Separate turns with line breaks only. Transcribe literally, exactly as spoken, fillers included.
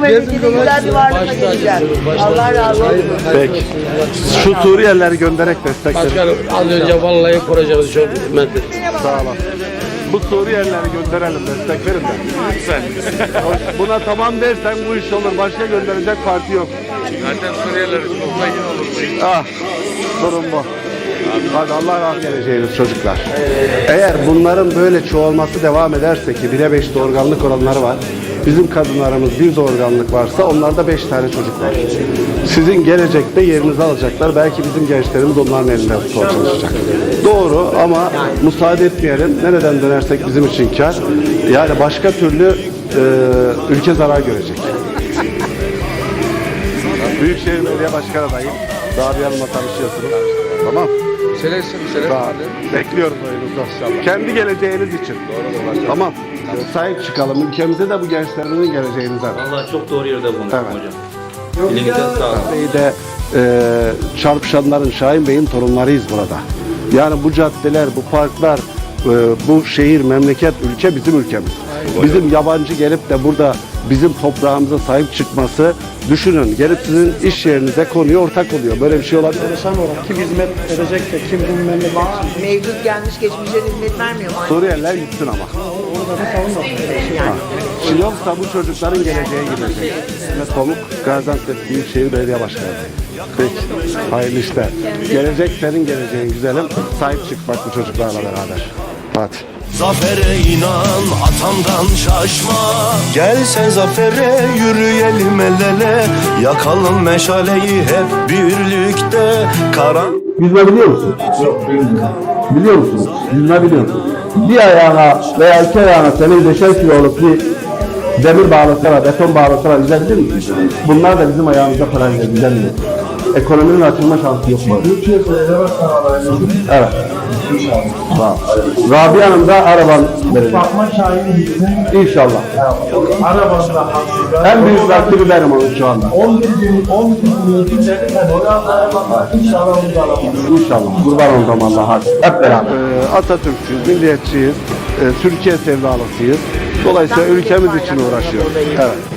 memlekete güzel bir varlıkla geleceğim. Allah razı olsun.
Peki. Şu Suriyelileri göndererek destek verin.
Başkanım az önce vallahi projemiz çok hizmet etti.
Sağ olun. Bu Suriyelileri gönderelim, destek verin de. Lütfen. Buna tamam dersen bu iş olur. Başka gönderecek parti yok.
Zaten Suriyeliler topla yine olur.
Ah, sorun bu. Hadi Allah rahmet eylesin çocuklar. Eğer bunların böyle çoğalması devam ederse ki bire beş doğurganlık oranları var. Bizim kadınlarımız bir doğurganlık varsa onlarda beş tane çocuk var. Sizin gelecekte yerinizi alacaklar. Belki bizim gençlerimiz onların elinden tutmaya çalışacak. Doğru ama müsaade etmeyelim. Nereden dönersek bizim için kar. Yani başka türlü e, ülke zarar görecek. Büyükşehir Belediye Başkanı adayım. Rabia Hanım'la tanışıyorsunuz. Tamam.
Selesin, selesin.
Bekliyorum oyunuzu. Kendi geleceğiniz için. Doğru, tamam. Sahip çıkalım. Ülkemize de bu gençlerimizin geleceğinize.
Vallahi çok doğru yerde bulunduk
Evet.
hocam. Elinize sağlık.
Bey de e, çarpışanların, Şahin Bey'in torunlarıyız burada. Yani bu caddeler, bu parklar, e, bu şehir, memleket, ülke bizim ülkemiz. Bizim yabancı gelip de burada bizim toprağımıza sahip çıkması, düşünün gelip sizin iş yerinize konuya ortak oluyor. Böyle bir şey olabilir.
Çalışan olarak kim hizmet edecek de kim bu memleket için
Mevcut gelmiş geçmişe hizmet vermiyor mu?
Suriyeliler gitsin ama.
orada da savunmasın.
Ha. Şimdi yoksa bu çocukların geleceğe gidecek. Ve Pamuk Gaziantep Büyükşehir Belediye Başkanı. Peki. Hayırlı işler. Gelecek senin geleceğin güzelim. Sahip çık bak bu çocuklarla beraber. Hadi.
Zafere inan atamdan şaşma. Gel sen zafere yürüyelim el ele. Yakalım meşaleyi hep birlikte. Karan
Yüzme biliyor musun? Yok, bilmiyorum. Biliyor musun? Yüzme biliyor musun? Bir ayağına veya iki ayağına seni beşer kiloluk bir demir bağlasalar, beton bağlasalar yüzebilir misin? Bunlar da bizim ayağımızda para yüzemiyor. Ekonominin açılma şansı yok mu? Evet. Tamam. Rabia Hanım da araban verecek.
Bakma şahidi gitsin.
İnşallah.
Arabasına hakkında.
En büyük rakibi benim onun şu anda.
on bir gün, on bir gün yönetimleri ben oraya arabasına inşallah onu da alamam.
İnşallah. Kurban olduğum Allah. Hadi. Hep beraber.
Ee, Atatürkçüyüz, milliyetçiyiz, e, Türkiye sevdalısıyız. Dolayısıyla ülkemiz için uğraşıyoruz. Evet.